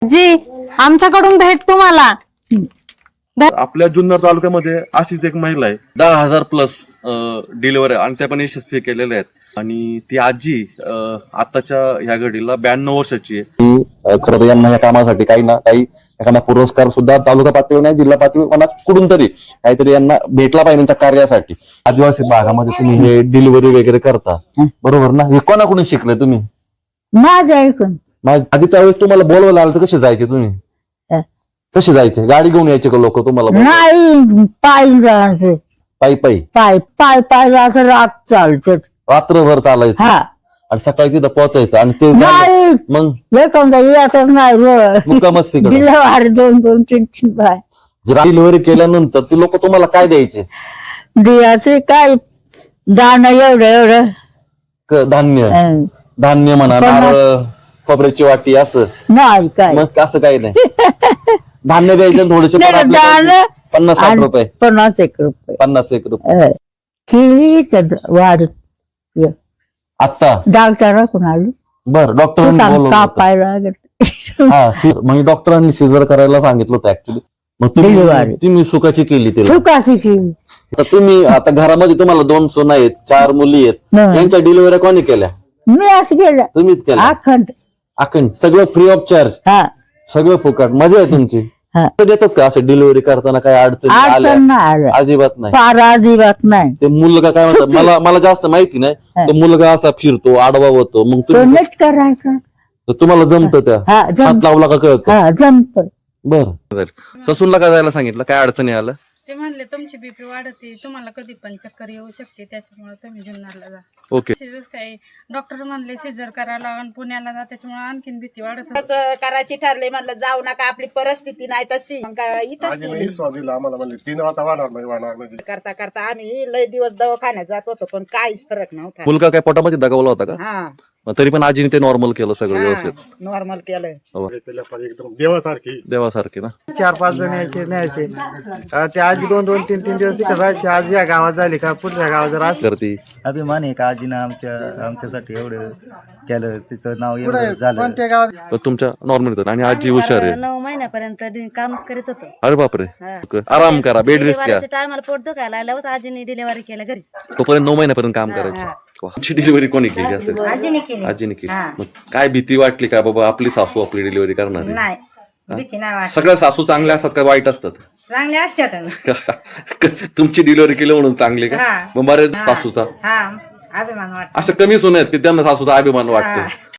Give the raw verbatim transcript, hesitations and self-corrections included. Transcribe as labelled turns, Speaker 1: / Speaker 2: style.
Speaker 1: जी आमच्याकडून भेट तुम्हाला.
Speaker 2: आपल्या जुन्नर तालुक्यामध्ये अशीच एक महिला आहे, दहा हजार प्लस डिलिव्हरी आणि त्या पण यशस्वी केलेल्या आहेत. आणि ती आजी अं, आताच्या ह्या घडीला ब्याण्णव वर्षाची आहे.
Speaker 3: खरं तर यांना या कामासाठी काही ना काही एखादा पुरस्कार सुद्धा तालुका पातळीवर नाही, जिल्हा पातळीवर कुठून तरी काहीतरी यांना भेटला पाहिजे त्यांच्या कार्यासाठी. आदिवासी भागामध्ये तुम्ही हे डिलिव्हरी वगैरे करता बरोबर ना? हे कोणाकडून शिकले तुम्ही?
Speaker 4: माझं ऐकून
Speaker 3: आधी त्यावेळेस तुम्हाला बोलवायला आलं तर कसे जायचे तुम्ही?
Speaker 4: हं.
Speaker 3: कसे जायचे? गाडी घेऊन यायचे का लोक तुम्हाला बोलवायला?
Speaker 4: नाही, पाय जायचं,
Speaker 3: पायी पायी
Speaker 4: पाय पाय पाय जायचं, रात चालतं.
Speaker 3: रात्रभर चालायचं
Speaker 4: हा
Speaker 3: आणि सकाळी तिथं पोहोचायचं आणि ते झालं.
Speaker 4: नाही
Speaker 3: मग
Speaker 4: एखादा येतच नाही
Speaker 3: मुक्कामच तिकडे.
Speaker 4: बिलवार दोन दोन तीन तीन बाय
Speaker 3: डिलिव्हरी केल्यानंतर ते लोक तुम्हाला काय द्यायचे?
Speaker 4: दियाचे काय दाणं एवढं एवढं
Speaker 3: क- धान्य
Speaker 4: हं.
Speaker 3: धान्य म्हणा,
Speaker 4: पण-
Speaker 3: नारळ, खोबऱ्याची वाटी असं.
Speaker 4: नाही काय
Speaker 3: मग असं काही नाही. धान्य द्यायचं थोडेसे
Speaker 4: दाणं
Speaker 3: पन्नास साठ
Speaker 4: आणि
Speaker 3: रुपये
Speaker 4: पन्नास एक रुपये
Speaker 3: पन्नास एक रुपये
Speaker 4: हं. किती तर वाढ
Speaker 3: आता.
Speaker 4: डॉक्टराकडून आली
Speaker 3: बर डॉक्टरांनी बोलवलं होतं.
Speaker 4: कापायला लागत
Speaker 3: हा सी- म्हणजे डॉक्टरांनी सिजर करायला सांगितलं होतं ऍक्च्युली. मग तुम्ही
Speaker 4: Delivery.
Speaker 3: तुम्ही सुखाची केली तिला.
Speaker 4: सुखाची केली.
Speaker 3: आता तुम्ही आता घरामध्ये तुम्हाला दोन सून आहेत, चार मुली आहेत,
Speaker 4: हं.
Speaker 3: यांच्या डिलिव्हरी कोणी केल्या?
Speaker 4: मी असं गेलं
Speaker 3: तुम्हीच केल्या.
Speaker 4: अखंड
Speaker 3: अखंड सगळं फ्री ऑफ चार्ज,
Speaker 4: हा
Speaker 3: सगळं फुकट. मजा आहे तुमची.
Speaker 4: हा
Speaker 3: तर देतात का असं डिलिव्हरी करताना काही अडचणी आल्या?
Speaker 4: अडचण नाही आलं,
Speaker 3: अजिबात नाही.
Speaker 4: फार अजिबात नाही.
Speaker 3: ते मुलगा काय म्हणतात मला मला जास्त माहिती नाही. तो मुलगा असा फिरतो, आडवा होतो, मग
Speaker 4: तो
Speaker 3: तुम्ही
Speaker 4: नीट करायचा.
Speaker 3: तर तुम्हाला जमतं त्या
Speaker 4: हा
Speaker 3: हात
Speaker 4: जम
Speaker 3: लावला का कळतं?
Speaker 4: हा जमत.
Speaker 3: बर
Speaker 2: ससूनला काय जायला सांगितलं, काय अडचणी आलं?
Speaker 5: ते म्हणले तुमची बीपी वाढते, तुम्हाला कधी पण चक्कर येऊ शकते, त्याच्यामुळे तुम्ही जुन्नरला जा.
Speaker 2: ओके.
Speaker 5: सिजर काय डॉक्टर म्हणले सिजर करायला आणि पुण्याला जा, त्याच्यामुळे आणखीन भीती वाढत होती.
Speaker 6: असं करायची ठरले, म्हणलं जाऊ नका, आपली परिस्थिती नाही तशी. मग काय इथंच केली.
Speaker 7: आम्हाला म्हणले तीन वाजता वाहणार नाही वाहणार नाही.
Speaker 6: करता करता आम्ही लय दिवस दवाखान्यात जात होतो, पण काहीच फरक नव्हता.
Speaker 2: मुलगा काय पोटामध्ये दगावला होता का?
Speaker 6: हा
Speaker 2: मग तरी पण आजीने ते नॉर्मल केलं सगळं व्यवस्थित.
Speaker 6: नॉर्मल केलं.
Speaker 7: केल्या पाहिजे एकदम देवासारखी.
Speaker 2: देवासारखे ना.
Speaker 8: चार पाच जण यायचे न्यायचे. अं, ते आजी दोन दोन तीन तीन दिवस तिकडे राहायचे. आज या गावात झाली का पुढच्या गावात जर असलं
Speaker 2: करती.
Speaker 9: अभिमान आहे का आजीनं आमच्या आमच्यासाठी एवढं केलं, तिचं नाव एवढं झालं.
Speaker 8: कोणत्या गावात
Speaker 2: तर तुमच्या नॉर्मल होतं आणि आजी हुशार आहे.
Speaker 5: नऊ महिन्यापर्यंत कामच करीत होतो.
Speaker 2: अरे बापरे. आराम करा, बेड रेस्ट घ्या.
Speaker 5: टायमाला पोट दुखायला लागल्यावर आजीने डिलिव्हरी केलं घरी.
Speaker 2: तोपर्यंत नऊ महिन्यापर्यंत काम करायचं. आमची डिलिव्हरी कोणी केली असेल?
Speaker 5: आजीने केली.
Speaker 2: आजीने केली. मग काय भीती वाटली का बाबा आपली सासू आपली डिलिव्हरी करणार आहे?
Speaker 5: नाही भीती नाही वाटत.
Speaker 2: सगळ्या सासू चांगल्या असतात का वाईट असतात?
Speaker 5: चांगले असतात.
Speaker 2: तुमची डिलिव्हरी केली म्हणून चांगली का?
Speaker 5: हा.
Speaker 2: मग बरेच सासूचा
Speaker 5: हा अभिमान वाटत.
Speaker 2: असं कमी सुन आहेत की त्यांना सासूचा अभिमान वाटतो.